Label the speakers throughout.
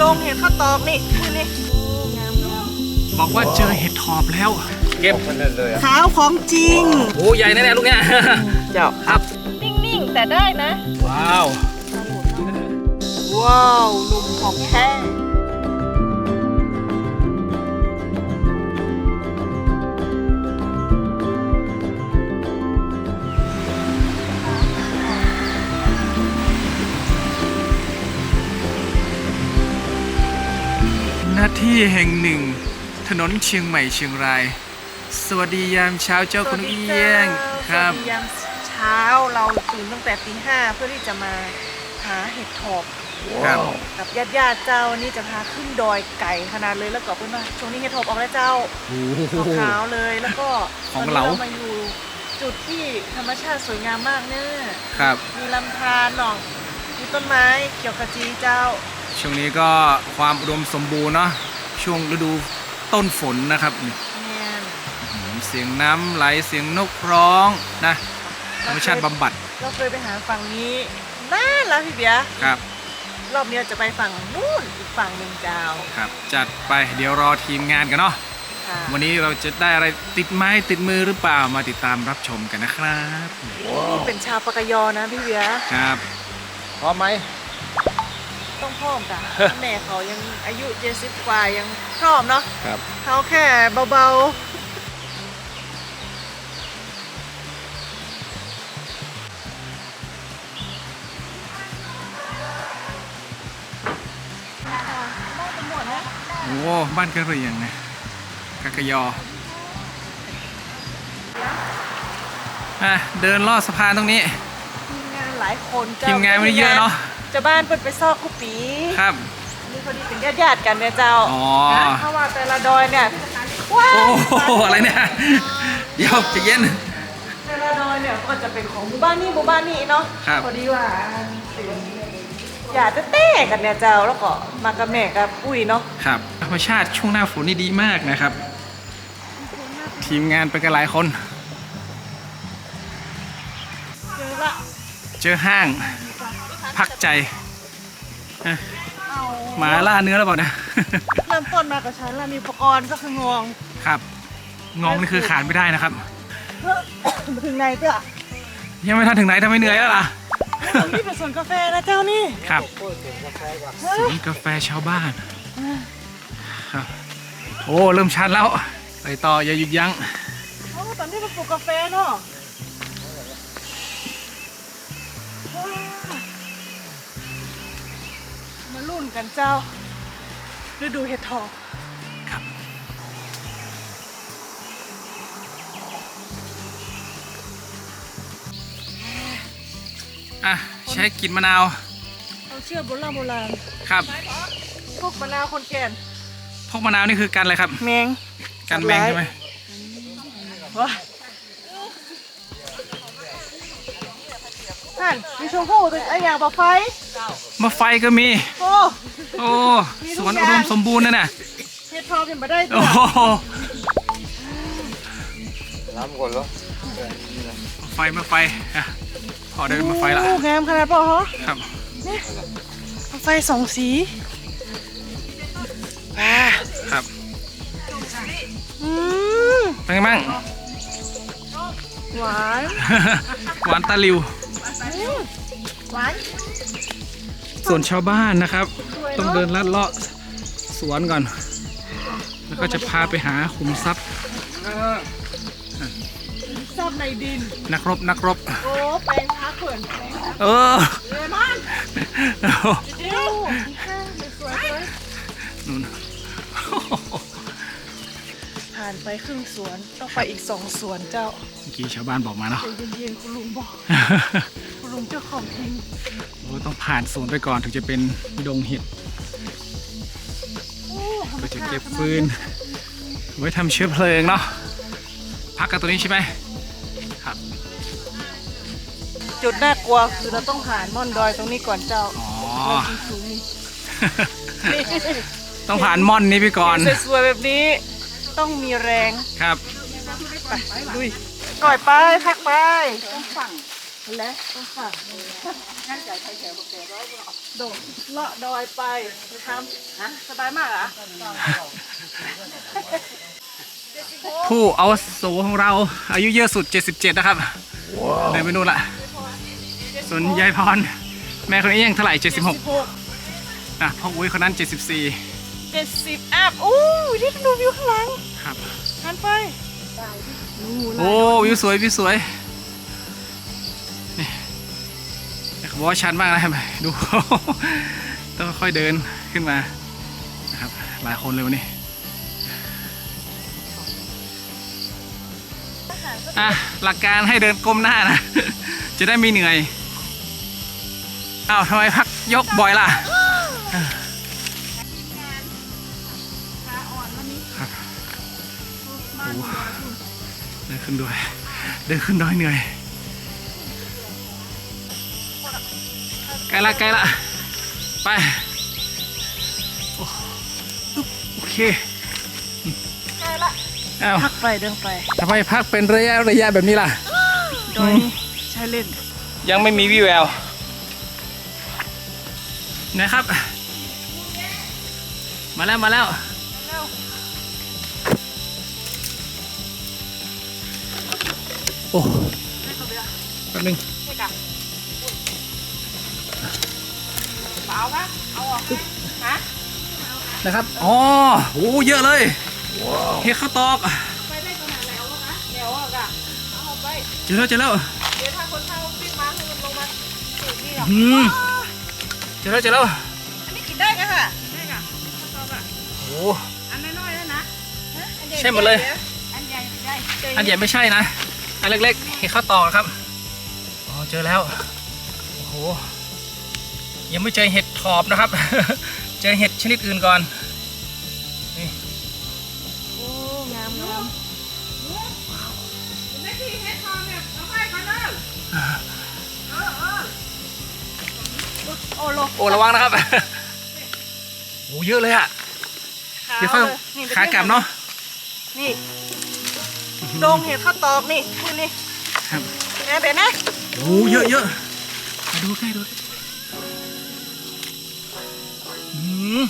Speaker 1: ดงเห็ดข้าวตอกนี่นี่
Speaker 2: บอกว่าเจอเห็ดถอบแล้วเก็บ
Speaker 1: ขาวของจริง
Speaker 2: โอ้ใหญ่แน่ๆลูกเนี้ย
Speaker 1: เจ้า
Speaker 2: ครับ
Speaker 1: นิ่งๆแต่ได้นะ
Speaker 2: ว้าว
Speaker 1: ว้าวลุมของแท้
Speaker 2: หน้าที่แห่งหนึ่งถนนเชียงใหม่เชียงรายสวัสดียามเช้าเจ้าคุณเอี้ยงครับ
Speaker 1: สวัสดียามเช้าเราตื่นตั้งแต่ตี 5เพื่อที่จะมาหาเห็ดถอบกับญาติเจ้านี่จะพาขึ้นดอยไก่ขนาดเลยแล้วก็เพื่อนว่าช่วงนี้เห็ดถอบออกแล้วเจ้าขาวเลยแล้วก็
Speaker 2: ของเรา
Speaker 1: มาอยู่จุดที่ธรรมชาติสวยงามมากเนี่ย
Speaker 2: ครับ
Speaker 1: มีลำธารหนองมีต้นไม้เขียวขจีเจ้า
Speaker 2: ช่วงนี้ก็ความอุดมสมบูรณ์เนาะช่วงฤดูต้นฝนนะครับเสียงน้ำไหลเสียงนกร้องนะธรรมชาติบำบัด
Speaker 1: เราเคยไปหาฝั่งนี้นานแล้วพี่เบียร์
Speaker 2: ครับ
Speaker 1: รอบนี้จะไปฝั่งนู้นอีกฝั่งหนึ่งเจ้า
Speaker 2: ครับจัดไปเดี๋ยวรอทีมงานกันเนาะวันนี้เราจะได้อะไรติดไม้ติดมือหรือเปล่ามาติดตามรับชมกันนะครับ
Speaker 1: นี่เป็นชาวปากยอนะพี่เบียร์
Speaker 2: ครับพร้อมไหม
Speaker 1: ต้องพร้อมกันแม่เขายังอายุ70กว่ายังพร้อมเนาะ
Speaker 2: ครับ
Speaker 1: เขาแค่เบา
Speaker 2: โอ้บ้านกระเหรี่ยงนะกะกะยอเดินลอดสะพานตรงนี้
Speaker 1: ทีมงานหลายคน
Speaker 2: ทีมงานไม่ได้เยอะเนาะ
Speaker 1: จะบ้านเปิดไปซอกกุปี
Speaker 2: ครับ
Speaker 1: นี่พอดีเป็นญาติกันเนี่ยเจ้าเพราะว่าแต่ละดอยเนี่ย
Speaker 2: ว้าวอะไรเนี่ยเดี๋ยวจะเย็น
Speaker 1: แต่ละดอยเนี่ยก็จะเป็นของหมู่บ้านนี้เนาะพอดีว่าอยากจะเต้กันเนี่ยเจ้าแล้วก็มากับแม่กับอุ้ยเนาะ
Speaker 2: ครับธรรมชาติช่วงหน้าฝนนี่ดีมากนะครับทีมงานไปกันหลายคนเจอห้างพักใจหมาล่าเนื้อแล้วเปล่านะ
Speaker 1: เริ่มต้นมากับฉันแล้วมีอุปกรณ์ก็คืององ
Speaker 2: ครับงองนี่คือขาดไม่ได้นะครับ
Speaker 1: ถึงไหนเจ้า
Speaker 2: ยังไม่ทันถึงไหนทำไมเหนื่อยแล้วล่ะ
Speaker 1: นี่เป็นสวนกาแฟนะเจ้านี่
Speaker 2: ครับสวนกาแฟชาวบ้านครับโอ้เริ่มชันแล้วไปต่ออย่าหยุดยั้ง
Speaker 1: ตอนนี้เป็นปลูกกาแฟเนาะมาลุ่นกันเจ้าฤดูเห็ดถอบ
Speaker 2: ครับใช้กลิ่นมะนาว
Speaker 1: เอาเชื่อโบราณ
Speaker 2: ครับ
Speaker 1: พวกมะนาวคนแก่น
Speaker 2: พวกมะนาวนี่คือกันอะไรครับ
Speaker 1: แมง
Speaker 2: กันแมงใช่ไหม
Speaker 1: ว้านั่นมีชมพู่ตัวไอ้อย่างปะไฟ
Speaker 2: มะไฟก็มีโอ้สวนอุดมสมบูรณ์นั่นน่ะ
Speaker 1: เฮ็ดทองเป็นมาได้
Speaker 2: โอ้
Speaker 3: น้ำก่อนเหรอ
Speaker 2: มะไฟพอได้มาไฟละ
Speaker 1: งามขนาดป่ะฮะ
Speaker 2: ครับ
Speaker 1: นี่ไฟสองสี
Speaker 2: ครับเป็นไงบ้าง
Speaker 1: หวาน
Speaker 2: หวานตาลิว
Speaker 1: หวาน
Speaker 2: ส่วนชาวบ้านนะครับต้องเดินลัดเลาะสวนก่อนแล้วก็จะพาไปหาขุมทรัพย์
Speaker 1: ซ่อนในดิน
Speaker 2: นักรบ
Speaker 1: โอ้แปลงพักเขื่อน
Speaker 2: มัน
Speaker 1: เดี๋ยวสวย
Speaker 2: นู่น
Speaker 1: ผ่านไปครึ่งสวนต้องไปอีก2สวนเจ้า
Speaker 2: เมื่อกี้ชาวบ้านบอกมาเนาะ
Speaker 1: เย็นๆคุณลุงบอกคุณลุงเจ้าของทิ้ง
Speaker 2: ต้องผ่านสวนไปก่อนถึงจะเป็นดงเห็ดก็จะเก็บฟืนไว้ทำเชื้อเพลิงเนาะพักกันตัวนี้ใช่ไหมครับ
Speaker 1: จุดน่ากลัวคือเราต้องผ่านม่อนดอยตรงนี้ก่อนเจ้า
Speaker 2: ต้องผ่านม่อนนี้ไปก่อน
Speaker 1: สวยๆแบบนี้ต้องมีแรง
Speaker 2: ครับ
Speaker 1: ไปลุยก่อยไปพักไปต้องฝั่งและต้องฝั่งงั้นใจใครแถวบอกแกร้อยโดดเลาะดอยไปทำฮะสบายมากเหรอ
Speaker 2: ผู้อาวุโสของเราอายุเยอะสุด 77 นะครับเดินไปนู่นละส่วนยายพรแม่คนนี้ยังเท่าไหร่ 76นะพ่ออุ้ยคนนั้น 74
Speaker 1: 70อัพอู้ยนี่ดูวิวข้างหลัง
Speaker 2: ครับ
Speaker 1: หันไป
Speaker 2: โอ้วิวสวยวิวสวยนี่เขาบอกว่าชันมากนะครับดู ต้องค่อยเดินขึ้นมานะครับหลายคนเลยวันนี้อ่ะหลักการให้เดินก้มหน้านะ จะได้ไม่เหนื่อยอ้าวทำไมพักยกบ่อยล่ะ
Speaker 1: ขาอ่อนวันนี้
Speaker 2: ครับ
Speaker 1: บ้าน
Speaker 2: เดินขึ้นด้วยเดินขึ้นดอยเหนื่อยใกล้ละใกล้ละไปโอเค
Speaker 1: ใกล้ละ
Speaker 2: อ้าว
Speaker 1: พักไปเดินไป
Speaker 2: ทำไมพักเป็นระยะแบบนี้ล่ะ
Speaker 1: ดอยนี่ใช้เล่น
Speaker 2: ยังไม่มีวี่แววนะครับ มาแล้วมาแล้ว
Speaker 1: เร็ว
Speaker 2: โอ้
Speaker 1: ให้เขาไปละ
Speaker 2: แป๊บนึง
Speaker 1: ให้กันเปล่าปะเอาออกฮะ
Speaker 2: นะครับอ๋อโอ้เยอะเลยเฮ็ดข้าวตอก
Speaker 1: ไปได้ขนาดแล้วนะแล้วอ่ะกะเอาออกไป
Speaker 2: เจอแล้วเจอแล้ว
Speaker 1: เดี๋ยวถ้าคนเข้าปิ้งมาให้มันลงมาสูตรนี่หรอ
Speaker 2: เจอแล้วเจอแล้ว
Speaker 1: อันนี้กินได้กันค่ะได้ค่ะชอบอ่ะ
Speaker 2: โอ้
Speaker 1: อันน้อยๆแล้วนะ
Speaker 2: ใช่หมดเลย
Speaker 1: อันใหญ่ไม่ได้
Speaker 2: อันใหญ่ไม่ใช่นะอันเล็กๆเห็ดข้าวตอกนะครับอ๋อเจอแล้วโอ้โหยังไม่เจอเห็ดถอบนะครับ เจอเห็ดชนิดอื่นก่อนนี่
Speaker 1: โอ้งามงามไม่ที่เฮ็ดทองเนี่ยเอาไปก่อนเด้อโอ้โล
Speaker 2: โอ้ระวังนะครับ โอ้เยอะเลยอะเดี๋ยวค่อยขากลับเนาะ
Speaker 1: นี่ดงเห็ดข้าวตอกนี่คุณนี่
Speaker 2: ครับ
Speaker 1: แอบเบ็ดนะ
Speaker 2: โอ้เยอะเยอะมาดูใกล้ดูอืม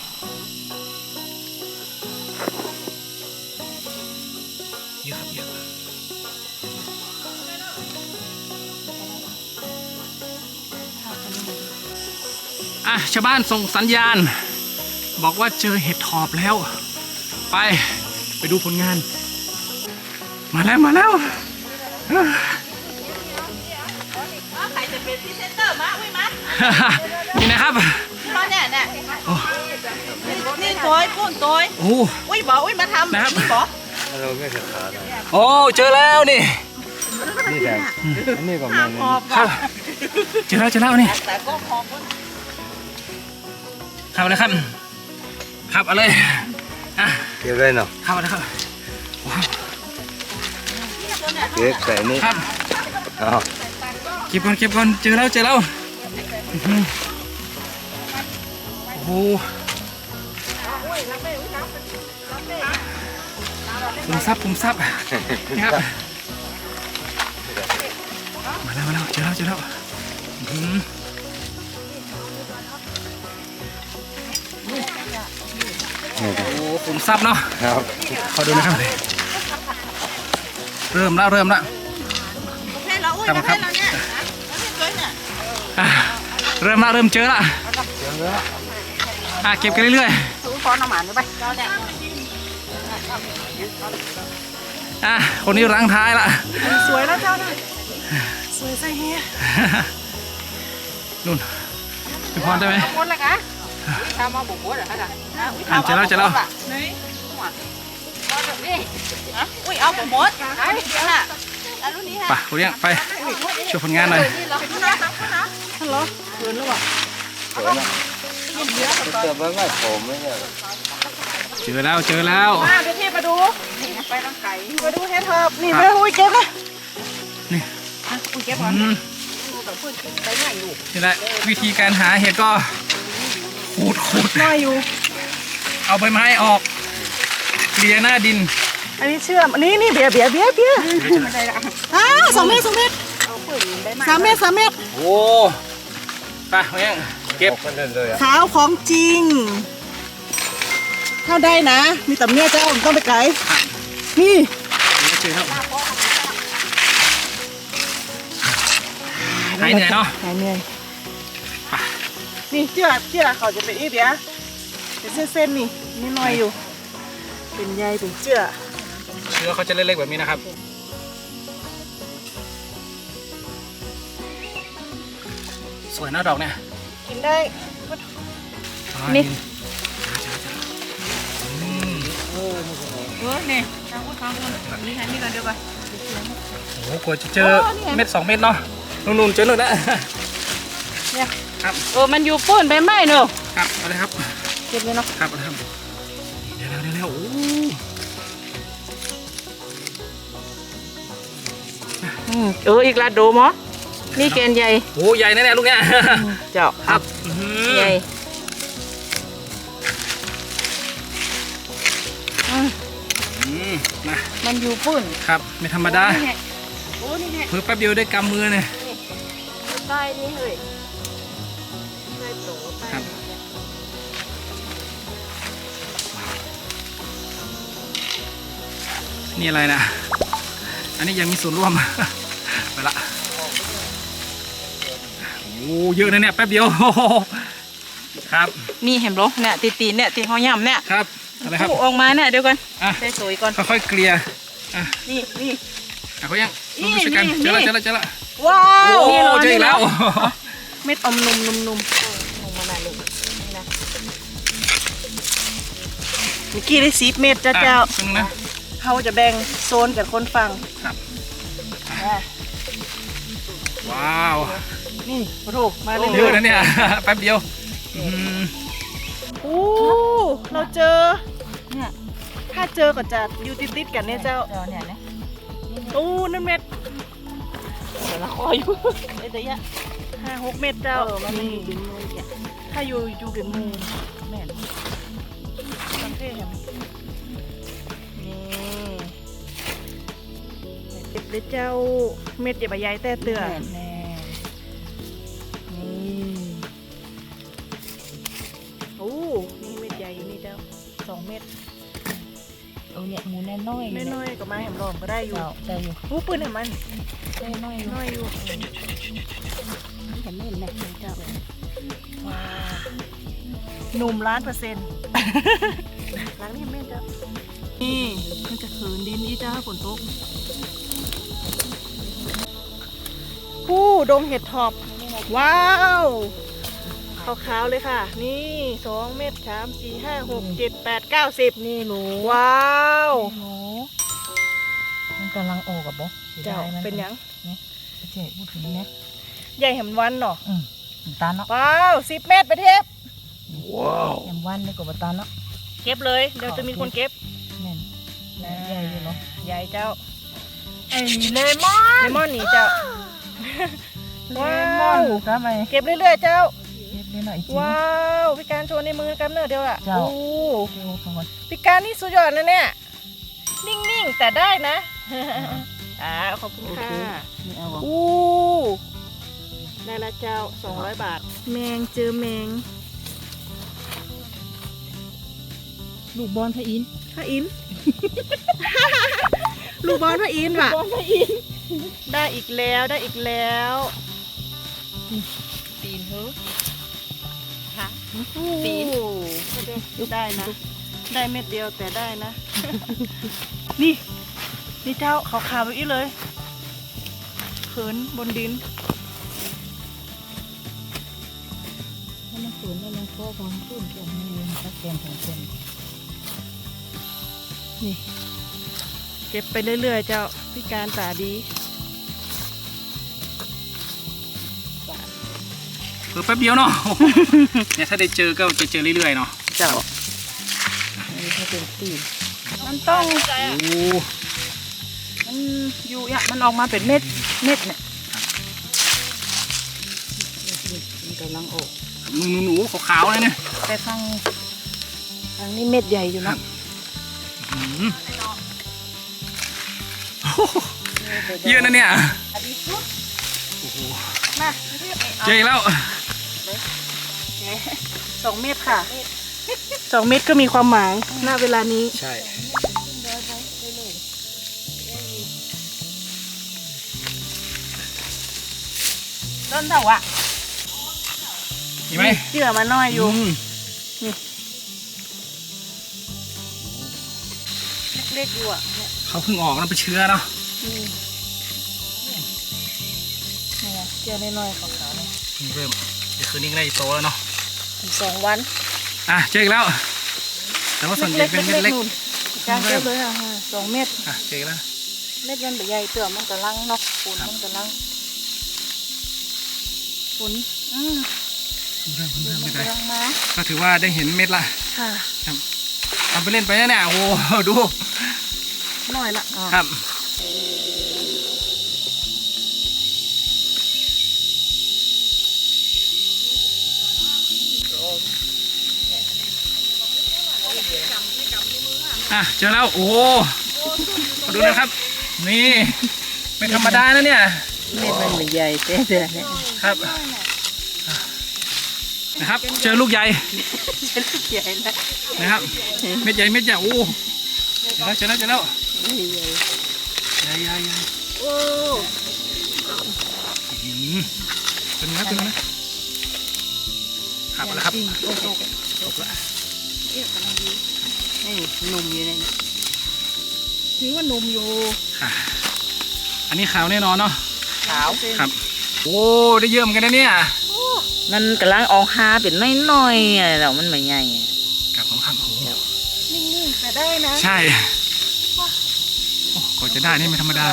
Speaker 2: เยอะครับเยอะอ่ะชาวบ้านส่งสัญญาณ บอกว่าเจอเห็ดถอบแล้ว ไปดูผลงาน มาแล้วมาแล้ว
Speaker 1: ใครจะเป็นพรีเซนเตอร์มาอุ้ยมา
Speaker 2: นี่นะครับ
Speaker 1: ตอนเนี่ยเนี่ย
Speaker 2: โอ้
Speaker 1: นี่ตัวปุ้นตัว
Speaker 2: โอ้
Speaker 1: อุ้ยบอกอุ้ยมาทำ
Speaker 2: นะครับ
Speaker 1: นี่บอก
Speaker 3: เราไม่เคยขาดนะ
Speaker 2: โอ้เจอแล้วนี่
Speaker 3: นี่แต่อันนี้ก็
Speaker 1: ห้า
Speaker 3: มัน
Speaker 1: มหอบ
Speaker 2: ครับเจอแล้วนี่
Speaker 1: แต่ก็หอบ
Speaker 2: ขับเลยครับขับเอาเลยอ่ะ
Speaker 3: เก็บเลยเนาะ
Speaker 2: ขับเอาเลยครับว้าว
Speaker 3: เก็บใส่นี่
Speaker 2: ครับ
Speaker 3: อ๋อ
Speaker 2: เก็บก่อนเก็บก่อนเจอแล้วอื้อหือโอ้โหผมซับนี่ครับมาแล้วเจอแล้วอื้อหือโอ้ผมซับเนาะ
Speaker 3: ครับ
Speaker 2: ขอดูนะครับเริ่มแล้ว
Speaker 1: ประเภทเราอุ้ยประเภทเราเนี่ยประเภทตัวเนี่ย
Speaker 2: อ่ะเริ่มเจอละเก็บกันเรื่อย
Speaker 1: สูงฟอนเอาหมาหรือไปเราเนี่ย
Speaker 2: ๆคนนี้รั้งท้ายละ
Speaker 1: สวยแล้วเจ้าน่ะสวยใส่เฮีย
Speaker 2: นู่นพี่พรได้ไหม
Speaker 1: หมดแล้วกะทำมาบุกบดเหรอคะจ๊ะ
Speaker 2: เจอแล้ว
Speaker 1: ไหนอุ้ยเอาผมหมดไอ้เดี๋ยวน่ะแล้วรุ่นนี้ฮะ
Speaker 2: ไปคุณเลี้ยงไปช่วยผลงานหน่อย
Speaker 1: นี่เหรอฮัลโหลเกินหรือเปล่า
Speaker 3: สวยนะเติมไว้ไม่ผมไม่เนี่ย
Speaker 2: เจอแล้ว
Speaker 1: มาเดี๋ยวพี่มาดูไปทางไก่มาดูเฮ็ดเถิบนี่ไปอุ้ยเก็บนะ
Speaker 2: นี่
Speaker 1: อุ้ยเก็บก่อน
Speaker 2: อืม
Speaker 1: กับเพื่อนไปไหนอยู่
Speaker 2: นี่แหละวิธีการหาเห็ดก็ขูด
Speaker 1: น้อยอยู่
Speaker 2: เอาใบไม้ออกเกลี่ยหน้าดิน
Speaker 1: อันนี้เชื่อมอันนี้เบียร์2 เมตร 3 เมตร 3 เมตร
Speaker 2: โอ้ไปคุณเลี้ยงเก็บ
Speaker 3: ออกกันเลยอ่ะ
Speaker 1: ขาวของจริงเข้าได้นะ มีแต่เมียเจ้าต้องไปไกลนี่
Speaker 2: เจอครับหายเหนื่อยเนาะ
Speaker 1: หายเหนื่อยนี่เชื่อเขาจะเป็นอีเดียเป็นเส้นๆนี่นี่น้อยอยู่ เป็นใยเป็นเชื่อ
Speaker 2: เชื้อเขาจะเล็กๆแบบนี้นะครับสวยนะดอกเนี่ย
Speaker 1: กินได้
Speaker 2: นี่
Speaker 1: นี่ทางพูดทางพูดนี่ค่ะนี่กันเดียวกัน
Speaker 2: โอ้โหกว่าจะเจอเม็ด2 เม็ดเนาะนุ่นๆเจอหนึ่งแล้ว
Speaker 1: เนี่ย
Speaker 2: ครับ
Speaker 1: มันอยู่ป้นไปไหมเนอะ
Speaker 2: ครับเอาเลยครับ
Speaker 1: เก็บเลยเนาะ
Speaker 2: ครับเอาเลยครับเดี๋ยวโอ้
Speaker 1: อีกละโดมอนี่แกนใหญ่
Speaker 2: โหใหญ่แน่ๆลูกเนี่ย
Speaker 1: เจ้า
Speaker 2: ครับ
Speaker 1: ใหญ่
Speaker 2: นะ
Speaker 1: มันอยู่ป้น
Speaker 2: ครับไม่ธรรมดา
Speaker 1: โอ้นี่แหละ
Speaker 2: เพิ่งแป๊บเดียวได้กำมือเนี่ย
Speaker 1: ใต้นี่เฮ้ยใต้โตใต้
Speaker 2: ครับ นี่อะไรนะอันนี้ยังมีส่วนร่วม ไปละโอ้เยอะนะเนี่ยแป๊บเดียว ครับ
Speaker 1: นี่เห็นบ่เนี่ยตีนเนี่ยที่เขาย่ำเนี่ย
Speaker 2: ครับอะไรครับ
Speaker 1: ผู้ออกมาเนี่ยเดี๋ยวก่อน
Speaker 2: อ่ะ
Speaker 1: ได้สวยก่อน
Speaker 2: ค่อยๆเกลี่ยอ่ะ
Speaker 1: นี่
Speaker 2: เขายัง
Speaker 1: นี่
Speaker 2: รู้สึกกัน
Speaker 1: นี่
Speaker 2: เจอแล้ว
Speaker 1: ว้าว
Speaker 2: โอ้
Speaker 1: นี่หร
Speaker 2: เจออีกแล้ว
Speaker 1: เม็ดอมนุ่มนุ่มนุ่มมาหน่อยเลยนี่นะเมื่อกี้ได้10 เม็ดจ้าเจ้า
Speaker 2: ซึ่งนะ
Speaker 1: เขาจะแบ่งโซนกับคนฟัง
Speaker 2: ครับ
Speaker 1: อ่ะ
Speaker 2: ว้าว
Speaker 1: นี่โอ้โหมาเลย
Speaker 2: เยอะนะเนี่ย แป๊บเดียวม
Speaker 1: โอ้เราเจอเนี่ยถ้าเจอก็จะอยู่ติดๆกันเนี่ยเจ้าเนี่ยนะโอ้นั่นเม็ดเดี๋ยวละคอยอยู่ไอ้แต่ยะ5-6 เม็ดเจ้านี่ถ้าอยู่เป็นหมูแม่นสังเกตเห็นไหมนี่เจ็บเลยเจ้าเม็ดอย่าไปใหญ่แต่เตือนแน่นี่โอ้นี่เม็ดใหญ่อยู่นี่เจ้า2 เม็ด
Speaker 4: เนี่ยหมูแน่น้อย
Speaker 1: น้อยๆก็มาแหมลอมก็ได้อยู่
Speaker 4: ใช่อยู่
Speaker 1: หูปืนเห็นมัน
Speaker 4: แน่น้อย
Speaker 1: น้อยอยู่
Speaker 4: เห็นไหมเห็นไหมเจ้า
Speaker 1: ว้าวหนุ่ม1,000,000%ล้างนี่แม่เจ้านี่มันจะขืนดินอีจ้าฝนตกผู้ดงเห็ดถอบว้าวขาวๆเลยค่ะ นี่2 เม็ด3 4 5 6 7 8 9 10นี่หนูว้าว
Speaker 4: หมูมันกำลังออกกับบ่
Speaker 1: เจ้าเป็นยัง
Speaker 4: เจ๊พูดถึงนะ
Speaker 1: ใหญ่แหมวันเนาะ
Speaker 4: ตาเนาะ
Speaker 1: ว้าว10 เม็ดไปเทพ
Speaker 4: แอมวันนี่ก็บตาเนาะ
Speaker 1: เก็บเลยเดี๋ยวจะมีคนเก็บ
Speaker 4: แม่นใหญ่อยู่เนาะ
Speaker 1: ใหญ่เจ้า
Speaker 4: ไอ้เลมอน
Speaker 1: เลมอนนี่เจ้า
Speaker 4: เลมอนก็ไป
Speaker 1: เก็บเรื่อยๆเจ้า
Speaker 4: เก็บได้หน่อยจิ๋ว
Speaker 1: ว้าวพี่การโชว์ในมือกันเนอะเดียวอ่ะ
Speaker 4: เจ้า
Speaker 1: โอ้
Speaker 4: เดี๋ยวก่อน
Speaker 1: พี่การนี่สุดยอดนะเนี่ยนิ่งๆแต่ได้นะขอบคุณค่ะ
Speaker 4: นี่เอา
Speaker 1: อู้ได้ละเจ้า200 บาท แมงเจอแมง
Speaker 4: ลูกบอลพระอิน
Speaker 1: พระอินทร์ ลูกบอลพระอินทร์ว่ะ
Speaker 4: บอลพระอิน
Speaker 1: ได้อีกแล้วได้อีกแล้ว
Speaker 4: ตีนเฮ้อ
Speaker 1: ปีนได้นะ ได้เม็ดเดียวแต่ได้นะ นี่นี่เจ้าขาวๆแบบนี้เลยเขินบนดิน
Speaker 4: มันฝืนแล้วมันก็บอลขึ้นแกมมือตะแกมของคน
Speaker 1: นี่เก็บไปเรื่อยๆเจ้าพิการตาดี
Speaker 2: เพิ่งแป๊บเดียวเนาะ เนี่ยถ้าได้เจอก็จะเจอเรื่อยๆเนาะ
Speaker 1: เจ้า
Speaker 4: อันนี้ก็เป็นตีน
Speaker 1: มันต้อง
Speaker 2: โอ้
Speaker 1: มันอยู่อ่ะมันออกมาเป็นเม็ดเนี่ย
Speaker 4: มันกำลังออก
Speaker 2: หนูขาวๆเลยเนี่ย
Speaker 1: แต่ฟังนี้เม็ดใหญ่อยู่นะ
Speaker 2: อืมโอ้โหเยอะนะเนี่ย
Speaker 1: อันนี้สุด
Speaker 2: โอ้โห
Speaker 1: มา
Speaker 2: เจออีกแล้ว
Speaker 1: 2 เมตรค่ะ 2 เมตรก็มีความหมายณเวลานี้
Speaker 2: ใช่
Speaker 1: ต้นเถาอะ
Speaker 2: มีไหม
Speaker 1: เจือมาหน่อยอยู่ เล็กๆอยู่อ่ะเนี่ย
Speaker 2: เขาเพิ่งออกนะเป็นเชื้อเนาะ
Speaker 1: เนี่ยเจือน้อยๆขาวๆเนี่ย
Speaker 2: เพิ่งเริ่มเดี๋ยวคืนนี้ก็ได้โตแล้วเนาะ
Speaker 1: ถึง2 วัน
Speaker 2: อ่ะเจออีกแล้ว แต่ว่าส่วนใหญ่เป็นเม็ดเล็ก
Speaker 1: นู่นการเก็บเลยอ่ะ2 เมตร
Speaker 2: อ่ะเจออีกแล้ว
Speaker 1: เม็ดมันใหญ่เตือมันกระลังเนาะฝุ่นมันกระลังฝุ่น
Speaker 2: เริ่ม
Speaker 1: ฝุ่นมัน
Speaker 2: ไม่
Speaker 1: ก
Speaker 2: ได้
Speaker 1: ระลังมา
Speaker 2: ก็ถือว่าได้เห็นเม็ดละ
Speaker 1: ค่ะ
Speaker 2: ทำไปเล่นไปนะเนี่ยโอ้โหดู
Speaker 1: หน่อยละอ๋อ
Speaker 2: ครับอ่ะเจอแล้วโอ้โหมาดูนะครับ นี่ไม่ธรรมดานะเนี่ย
Speaker 4: เม็ดมันเหมือนใหญ่เจ๊เดือนเนี่ย
Speaker 2: ครับนะครับ เจอลูกใหญ่
Speaker 1: เจ็ดใหญ่นะ
Speaker 2: นะครับเม็ดใหญ่เม็ดใหญ่โอ้เจอแล้วเจอแล้ว
Speaker 4: ใหญ่
Speaker 2: ใหญ่ใหญ่ใหญ่
Speaker 1: โอ้
Speaker 2: เป็นไงเป็นไงครับแล้วครับจบละ
Speaker 4: นี่หนุ่มอยู่ในนี้
Speaker 1: ถือว่าหนุ่มอยู่
Speaker 2: ค่ะอันนี้ขาวแน่นอนเนาะ
Speaker 1: ขาว
Speaker 2: ครับโอ้ได้เยอะเหมือนกันนะเนี่ย
Speaker 4: มันกำลังออกหาเป็นน้อยๆอะแล้วมันไม่ใหญ่อะ
Speaker 2: ครับผมครับโอ้โห
Speaker 1: นิ่งๆแต่ได้นะ
Speaker 2: ใช่โอ้กว่าจะได้นี่ไม่ธรรมดา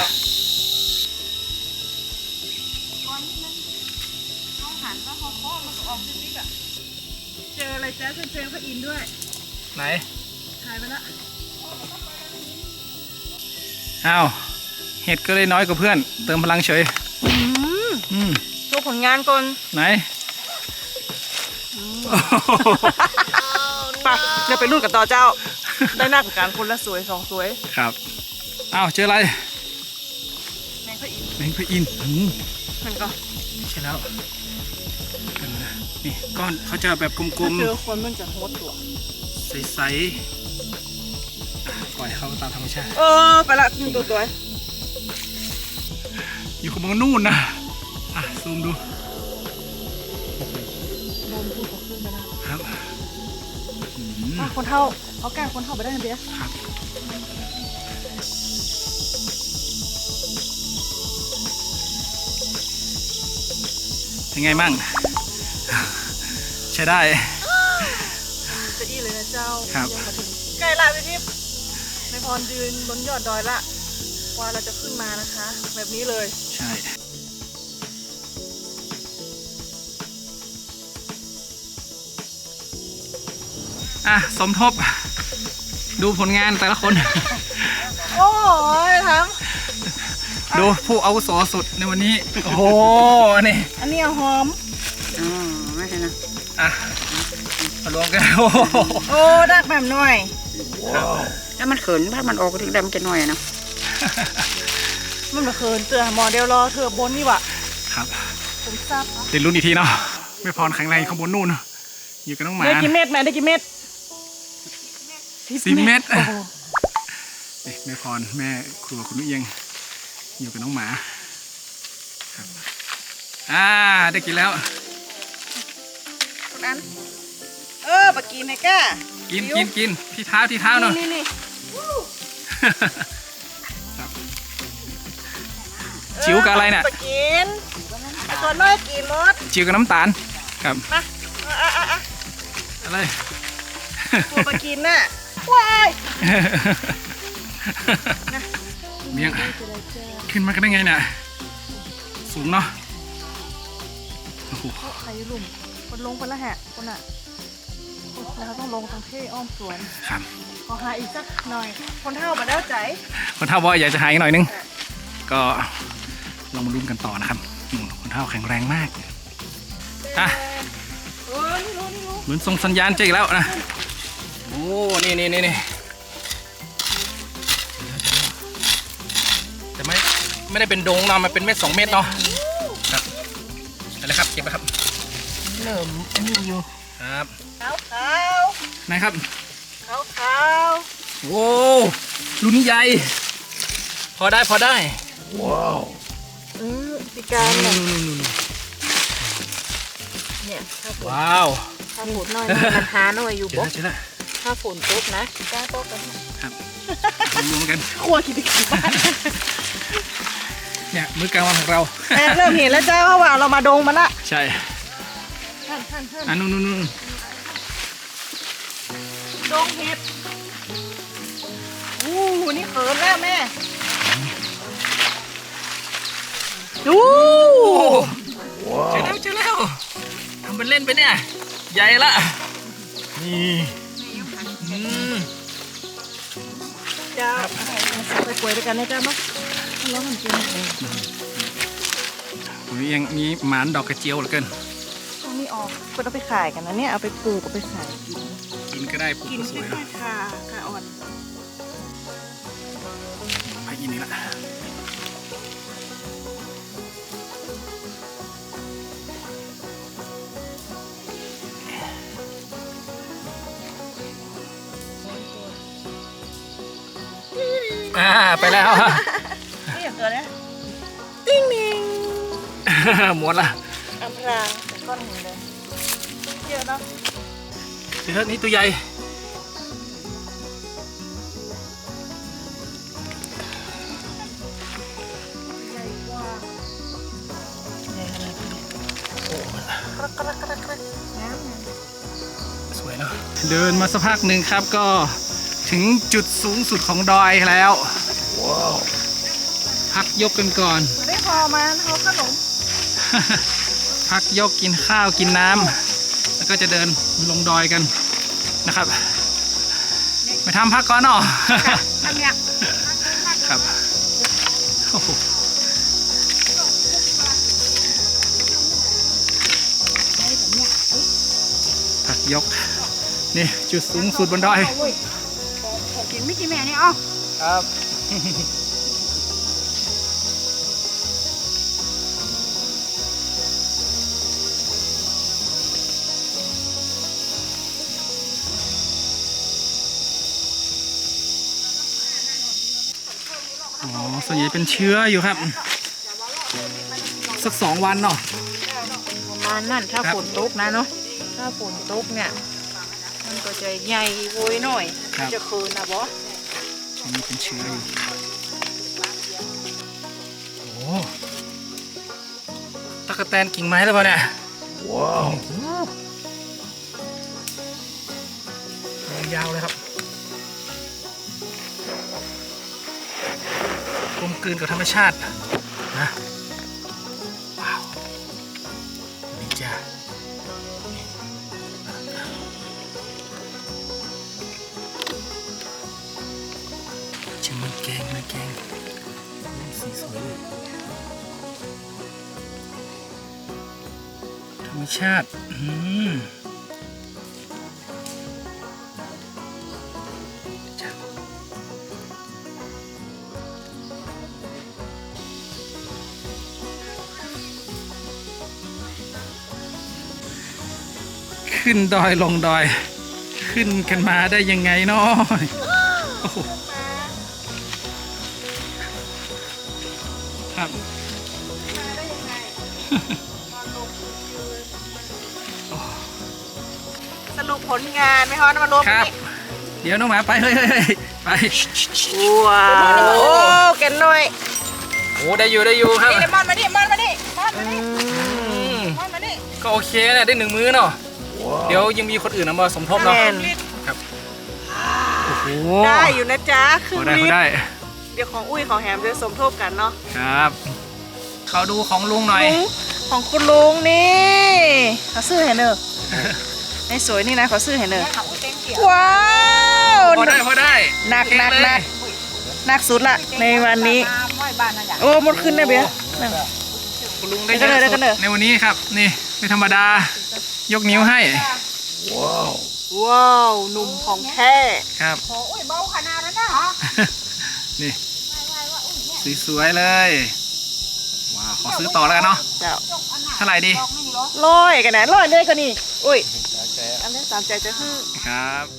Speaker 1: ตอนนี้มันเขาหันว่าเขาเคาะมันก็ออกซิกๆอ่ะเจออะไรแจ๊สเจอพระอินทร์ด้วย
Speaker 2: ไหน
Speaker 1: ถ่ายไปละ
Speaker 2: อ้าวเห็ดก็เลยน้อยกว่าเพื่อน เติมพลังเฉยอืม
Speaker 1: โชว์ผลงานก่อน
Speaker 2: ไหน
Speaker 1: ไปเดี๋ยวไปรุ่นกับต่อเจ้า ได้หน้ากับการคนละสวย2 สวย
Speaker 2: ครับอ้าวเจออะไร
Speaker 1: แมงพระอินทร์
Speaker 2: แมงพระอินทร์อืม
Speaker 1: มันก็
Speaker 2: ใช่แล้วนี่ก้อนเขาจะแบบกลม
Speaker 1: เจอคนมันจะโฮดตัว
Speaker 2: ๆใสๆอ่ะปล่อยเขาตามธรรมชาติ
Speaker 1: ไปละตัว
Speaker 2: อยู่ขบวนนู่นนะอ่ะซูมดู
Speaker 1: โดนพูดกับขึ้นไปนะครับ คนเท่าเอาแก้คนเท่าไปได้ทันที
Speaker 2: ครับเป็นไงมั่ง ใช้ได้
Speaker 1: จะอี้เลยนะเจ้า
Speaker 2: ครับ
Speaker 1: ยังมาถึงใกล้ละพี่ทิพย์ในพรยืนบนยอดดอยละว่าเราจะขึ้นมานะคะ แบบนี้เลย
Speaker 2: ใช่ อ่ะ สมทบ ดูผลงานแต่ละคน
Speaker 1: โอ้ยทั้ง
Speaker 2: ดูผู้อาวุโสสุดในวันนี้ โอ้โห นี่
Speaker 1: อันนี้หอม
Speaker 4: อ๋อไม่ใช่นะ
Speaker 2: อ่ะมารวมกัน โอ้โห
Speaker 1: โอ้ดักแบบหน่อย
Speaker 4: ถ้ามันเขินถ้ามันออกถึงดำจะน้อยอะเนาะ
Speaker 1: มันมาเคินเตือนหมอเดียวรอเธอบนนี่วะ
Speaker 2: ครับ
Speaker 1: ผมทราบ
Speaker 2: เรียนรู้อีกทีเนาะ ไม่พรแข็งแรงข้างบนนู่น อยู่กับน้องหมา
Speaker 1: ได้กี่เม็ดแม่ได้กี่เม็ด
Speaker 2: 10 เม็ด
Speaker 1: โอ้โห
Speaker 2: นี่แม่พรแม่ครัวคุณนุ้ยเอียงอยู่กับน้องหมาครับได้กินแล้ว
Speaker 1: คนนั้นปะกินไอ้ก้า
Speaker 2: กินที่เท้าเนาะ
Speaker 1: นี่
Speaker 2: ครับ จิ๋วกับอะไรเนี่ย
Speaker 1: ปะกินไอ้ตัวน้อยกินรส
Speaker 2: จิ๋วกับน้ำตาลครับ
Speaker 1: มาอ่ะ
Speaker 2: อะไร
Speaker 1: ตัวปะกินน่ะว้าย
Speaker 2: เมียงขึ้นมากันได้ไงเนี่ยสูงเนาะโอ้โห
Speaker 1: ใครลุ่มคนลงคนละแหะคนอ่ะแล้วต้องลงตรงเท่อ้อมสวน
Speaker 2: ครับ
Speaker 1: ขอหาอีกสักหน่อย คนเท่ามาแล้วใจ
Speaker 2: คนเท่าบอกอยากจะหายหน่อยนึง ก็ลองมาลุ้นกันต่อนะครับคนเท่าแข็งแรงมากอ่ะ
Speaker 1: นี่รู้
Speaker 2: เหมือนส่งสัญญาณเจออีกแล้วนะโอ้นี่แต่ไม่ได้เป็นโดงเนาะมันเป็นเม็ด2 เม็ดเนาะครับอะไรครับเก็บไปครับ
Speaker 4: เริ่มอันนี้อยู่
Speaker 2: ครับ
Speaker 1: ขาวขาว
Speaker 2: ไหนครับ
Speaker 1: ขาวขาว
Speaker 2: โว้รุ่นนี้ใหญ่พอได้พอได้
Speaker 1: ปีการ
Speaker 2: นู่
Speaker 1: เนี่ย
Speaker 2: น
Speaker 1: เนี่ยถ้าฝน
Speaker 2: ว้าว
Speaker 1: ถ้าฝนน้อยมันหาหน่อยอยู่
Speaker 2: เจอ
Speaker 1: บ่
Speaker 2: แล้วเจอแล้ว
Speaker 1: ถ้าฝนตกนะปีการตกกัน
Speaker 2: ครับรวมกัน
Speaker 1: ครัวกินไปกินบ้าน
Speaker 2: เนี่ยมื้อกลางวันของเรา
Speaker 1: เริ่มเห็นแล้วจ้าว่าเรามาดงมันละ
Speaker 2: ใช่
Speaker 1: ท่าน
Speaker 2: อันนู่น
Speaker 1: ดงเห็ดอู้นี่เขินแล้วแม่ดู
Speaker 2: เจอแล้วทำเป็นเล่นไปเนี่ยใหญ่ละนี่
Speaker 1: จ้าไปกล้วยด้วยกันนะจ้ามั้งแล้วมันกิน
Speaker 2: มียังมีหมานดอกกระเจียวเหลือเกิน
Speaker 1: ตรงนี้ออกก็ต้องไปขายกันนะเนี่ยเอาไปปลูกเอาไปขายกิน
Speaker 2: กินก็ได้ปลูก
Speaker 1: กิน
Speaker 2: ก็ส
Speaker 1: ไม่
Speaker 2: วย
Speaker 1: ค่อ
Speaker 2: นะ
Speaker 1: ยค่ะอ่อน
Speaker 2: ไปกินนี่ละไปแล้ว
Speaker 1: นี่อย่างเกินนะติ้งนิง
Speaker 2: หมดละ
Speaker 1: อำพรางแต่ก้อนหินเลยเยอะเนาะ
Speaker 2: เดี๋ยวนี่ตัวใหญ่
Speaker 1: ใหญ่กว่าใหญ่ขนาดนี้กระกระกระกระน้ำ
Speaker 2: สวยเนาะเดินมาสักพักหนึ่งครับก็ถึงจุดสูงสุดของดอยแล้วพักยกกันก่อน
Speaker 1: ไม่พอมาเขาขนม
Speaker 2: พักยกกินข้าวกินน้ำแล้วก็จะเดินลงดอยกันนะครับไปทำพักก่อนเนาะ
Speaker 1: ทำเนี่ย
Speaker 2: ครับโอ้โหพักยกนี่จุดสูงสุดบนดอย
Speaker 1: กินไม่กินแม่นี่อ๋อ
Speaker 2: ครับ อ๋อส่วนใหญ่เป็นเชื้ออยู่ครับ สัก2 วันเนาะ
Speaker 4: ประมาณนั้นถ้า
Speaker 2: ครับ
Speaker 4: ฝนตกนะเนาะถ้าฝนตกเนี่ยมันก็จะใหญ่โวยหน่อย
Speaker 2: ครับ
Speaker 4: จะคืนนะบอ
Speaker 2: ช่วงนี้เป็นเชื้ออยู่โอ้ตะกะแตนกิ่งไม้แล้วเปล่าเนี่ยว้าวยาวเลยครับกลมกลืนกับธรรมชาตินะว้าวนี่จ้าชิมมันแกงสีสวยเลยธรรมชาติจ้ะขึ้นดอยลงดอย ขึ้นกันมาได้ยังไงเนาะโอ้โหครับ
Speaker 1: สรุปผลงานไหมคะมารวม
Speaker 2: ครับ
Speaker 1: นี่
Speaker 2: เดี๋ยวน้องหมาไปเฮ้ยไป
Speaker 1: ว้าวโอ้แกนหน่อย
Speaker 2: โอ้ได้อยู่ครับ
Speaker 1: นี่มอนมาดิมอนมาดิมอนมาดิมอนมาดิ
Speaker 2: ก็โอเคนะได้1 มื้อเนาะเดี๋ยวยังมีคนอื่นเอามาสมทบเนาะ
Speaker 1: แม่น
Speaker 2: ครับโอ้โห
Speaker 1: ได้อยู่นะจ๊ะครึ่
Speaker 2: พ
Speaker 1: ง
Speaker 2: อได้
Speaker 1: ลิ
Speaker 2: พ
Speaker 1: ต
Speaker 2: อ
Speaker 1: ร
Speaker 2: ได้
Speaker 1: เดี๋ยวของอุ้ยของแฮมจะสมทบกันเนาะ
Speaker 2: ครับเขาดูของลุงหน่อย
Speaker 1: ลุงของคุณลุงนี่เขาซื้อให้เนอะไอ้สวยนี่นะเขาซื้อให้เนอะว้าว
Speaker 2: พอได้
Speaker 1: หนัก
Speaker 2: เก่ง
Speaker 1: หนัก
Speaker 2: เลย
Speaker 1: หนักสุดละในวันนี้ โอ้หมดขึ้นได้เบี้ยนั่น
Speaker 2: คุณลุงได้
Speaker 1: เดี๋ยวกันเลย
Speaker 2: เยอะสุด
Speaker 1: เดี๋ยวกันเลย
Speaker 2: ในวันนี้ครับนี่ไม่ธรรมดายกนิ้วให้
Speaker 1: ว้าวหนุ่มของแท้
Speaker 2: ครับ
Speaker 4: โอ้ยเบาขนาดนั้นนะ
Speaker 2: นี่สวยๆเลยว้าวขอซื้อต่อแล้วกันเนาะ
Speaker 1: เจ้า
Speaker 2: เท่าไหร่ดี
Speaker 1: ร้อยกันนะร้อยเลยก็นี่อุ้ยตามใจจะฮื้อ
Speaker 2: ครับ